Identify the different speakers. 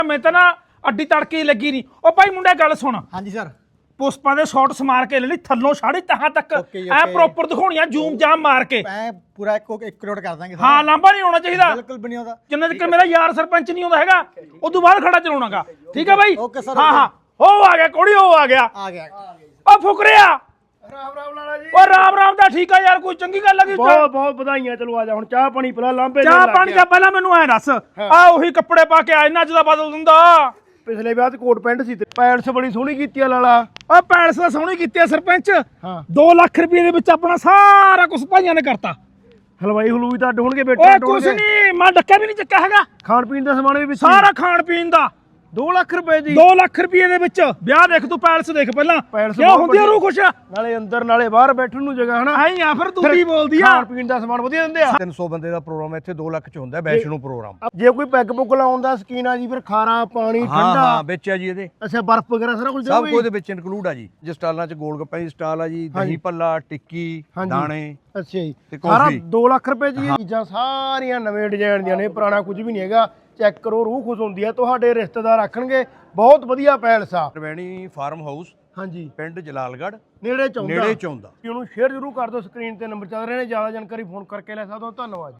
Speaker 1: ਮੈਂ ਤਾਂ ਨਾ ਅੱਡੀ ਤੜਕੇ ਲੱਗੀ ਨਹੀਂ। ਉਹ ਭਾਈ ਮੁੰਡਾ ਗੱਲ ਸੁਣ।
Speaker 2: ਹਾਂਜੀ ਸਰ।
Speaker 1: ਪੁਸ਼ਪਾਂ ਦੇ ਸ਼ਾਟਸ ਮਾਰ ਕੇ ਲੈਣੀ ਥੱਲੋਂ ਸਾੜੀ ਤਹਾਂ ਤੱਕ ਐ ਪ੍ਰੋਪਰ ਦਿਖਾਉਣੀਆਂ ਜ਼ੂਮ ਜਾਮ ਮਾਰ ਕੇ
Speaker 2: ਐ ਪੂਰਾ 1 ਕਰੋੜ ਕਰ ਦਾਂਗੇ ਸਰ।
Speaker 1: ਹਾਂ ਲਾਂਭਾ ਨਹੀਂ ਆਉਣਾ ਚਾਹੀਦਾ
Speaker 2: ਬਿਲਕੁਲ ਵੀ ਨਹੀਂ ਆਉਂਦਾ
Speaker 1: ਜਿੰਨਾ ਤੱਕ ਮੇਰਾ ਯਾਰ ਸਰਪੰਚ ਨਹੀਂ ਆਉਂਦਾ ਹੈਗਾ ਉਦੋਂ ਬਾਅਦ ਖੜਾ ਚਲਾਉਣਾਗਾ। ਠੀਕ ਹੈ ਬਾਈ।
Speaker 2: Okay sir.
Speaker 1: ਹਾਂ ਹੋ ਆ ਗਿਆ ਕੋੜੀ ਹੋ ਆ ਗਿਆ ਉਹ ਫੁਕਰਿਆ।
Speaker 3: ਰਾਮ ਰਾਮ ਲਾਲਾ ਜੀ।
Speaker 1: ਉਹ ਰਾਮ ਰਾਮ ਦਾ ਠੀਕ ਆ ਯਾਰ ਕੋਈ ਚੰਗੀ ਗੱਲ ਲੱਗੀ
Speaker 3: ਬਹੁਤ ਬਹੁਤ ਵਧਾਈਆਂ। ਚਲੋ ਆ ਜਾ ਹੁਣ ਚਾਹ ਪਾਣੀ ਪਿਲਾ ਲਾਂਬੇ
Speaker 1: ਚਾਹ ਪਾਣੀ ਦਾ ਪਹਿਲਾਂ ਮੈਨੂੰ ਐ ਦੱਸ ਆ ਉਹੀ ਕੱਪੜੇ ਪਾ ਕੇ ਆ ਇਹਨਾਂ ਚ ਦਾ ਬਦਲ ਦਿੰਦਾ।
Speaker 3: ਪਿਛਲੇ ਵਿਆਹ ਤੇ ਕੋਟ ਪੈਂਟ ਸੀ ਤੇ ਪੈਂਟਸ ਬੜੀ ਸੋਹਣੀ ਕੀਤੀ ਆ ਲਾਲਾ।
Speaker 1: ਓ ਪੈਲਸ ਦਾ ਸੋਹਣੀ ਕੀਤੀ ਆ ਸਰਪੰਚ।
Speaker 3: ਹਾਂ
Speaker 1: 2 ਲੱਖ ਰੁਪਏ ਦੇ ਵਿੱਚ ਆਪਣਾ ਸਾਰਾ ਕੁਝ ਭਾਈਆਂ ਨੇ ਕਰਤਾ।
Speaker 3: ਹਲਵਾਈ ਹਲੂਈ ਤਾਂ ਢੋਣਗੇ
Speaker 1: ਓਏ
Speaker 3: ਬੇਟਾ
Speaker 1: ਕੁਛ ਨਹੀਂ ਮੈਂ ਡੱਕਾ ਵੀ ਨਹੀਂ ਚੱਕਿਆ ਹੈਗਾ।
Speaker 3: ਖਾਣ ਪੀਣ ਦਾ ਸਮਾਨ ਵੀ ਵਿੱਚ
Speaker 1: ਸਾਰਾ ਖਾਣ ਪੀਣ ਦਾ
Speaker 3: 2 ਲੱਖ ਰੁਪਏ ਦੀ
Speaker 1: 2 ਲੱਖ ਰੁਪਏ ਦੇ ਵਿੱਚ ਵਿਆਹ ਦੇਖ ਤੂੰ ਪੈਲਸ ਦੇਖ ਪਹਿਲਾਂ
Speaker 3: ਪੈਲਸ
Speaker 1: ਕਿਉਂ ਹੁੰਦੀ ਆ ਰੂਹ ਖੁਸ਼।
Speaker 3: ਨਾਲੇ ਅੰਦਰ ਨਾਲੇ ਬਾਹਰ ਬੈਠਣ ਨੂੰ ਜਗ੍ਹਾ ਹਨਾ।
Speaker 1: ਆਈ ਆ ਫਿਰ ਤੂੰ ਕੀ ਬੋਲਦੀ ਆ।
Speaker 3: ਖਾਣ ਪੀਣ ਦਾ ਸਮਾਨ ਵਧੀਆ ਦਿੰਦੇ ਆ।
Speaker 4: 300 ਬੰਦੇ ਦਾ ਪ੍ਰੋਗਰਾਮ ਇੱਥੇ 2 ਲੱਖ ਚ ਹੁੰਦਾ ਵੈਸ਼ਨੂ ਪ੍ਰੋਗਰਾਮ।
Speaker 3: ਜੇ ਕੋਈ ਪੈਗ ਪੁੱਗ ਲਾਉਣ ਦਾ ਸ਼ਕੀਨ ਆ ਜੀ ਫਿਰ ਖਾਰਾ ਪਾਣੀ
Speaker 4: ਹਾਂ
Speaker 3: ਠੰਡਾ
Speaker 4: ਹਾਂ ਵਿੱਚ ਆ ਜੀ ਇਹਦੇ
Speaker 3: ਅੱਛਾ ਬਰਫ਼ ਵਗੈਰਾ ਸਾਰਾ ਕੁਝ
Speaker 4: ਸਭ ਕੁਝ ਦੇ ਵਿੱਚ ਇਨਕਲੂਡ ਆ ਜੀ। ਜਿਸ ਸਟਾਲਾਂ ਚ ਗੋਲ ਗੱਪਾਂ ਦੀ ਸਟਾਲ ਆ ਜੀ, ਦਹੀਂ ਭੱਲਾ, ਟਿੱਕੀ, ਦਾਣੇ।
Speaker 3: ਅੱਛਾ ਜੀ
Speaker 4: ਤੇ
Speaker 3: ਸਾਰਾ
Speaker 4: ਕੌਫੀ।
Speaker 3: 2 ਲੱਖ ਰੁਪਏ ਦੀ ਇਹ ਚੀਜ਼ਾਂ ਸਾਰੀਆਂ ਨਵੇਂ ਡਿਜ਼ਾਈਨ ਦੀਆਂ ਨੇ, ਪੁਰਾਣਾ ਕੁਝ ਵੀ ਨਹੀਂ ਹੈਗਾ। ਚੈੱਕ ਕਰੋ ਰੂਹ ਖੁਸ਼ ਹੁੰਦੀ ਹੈ। ਤੁਹਾਡੇ ਰਿਸ਼ਤੇਦਾਰ ਆਖਣਗੇ ਬਹੁਤ ਵਧੀਆ ਪੈਲਸ ਆ।
Speaker 4: ਰਵੈਣੀ ਫਾਰਮ ਹਾਊਸ
Speaker 3: ਹਾਂਜੀ
Speaker 4: ਪਿੰਡ ਜਲਾਲਗੜ੍ਹ
Speaker 3: ਨੇੜੇ ਚਾਹੁੰਦਾ
Speaker 4: ਨੇੜੇ ਚੌਂਦਾ।
Speaker 3: ਉਹਨੂੰ ਸ਼ੇਅਰ ਜ਼ਰੂਰ ਕਰ ਦਿਓ। ਸਕਰੀਨ ਤੇ ਨੰਬਰ ਚੱਲ ਰਹੇ ਨੇ। ਜ਼ਿਆਦਾ ਜਾਣਕਾਰੀ ਫੋਨ ਕਰਕੇ ਲੈ ਸਕਦੇ ਹੋ। ਧੰਨਵਾਦ।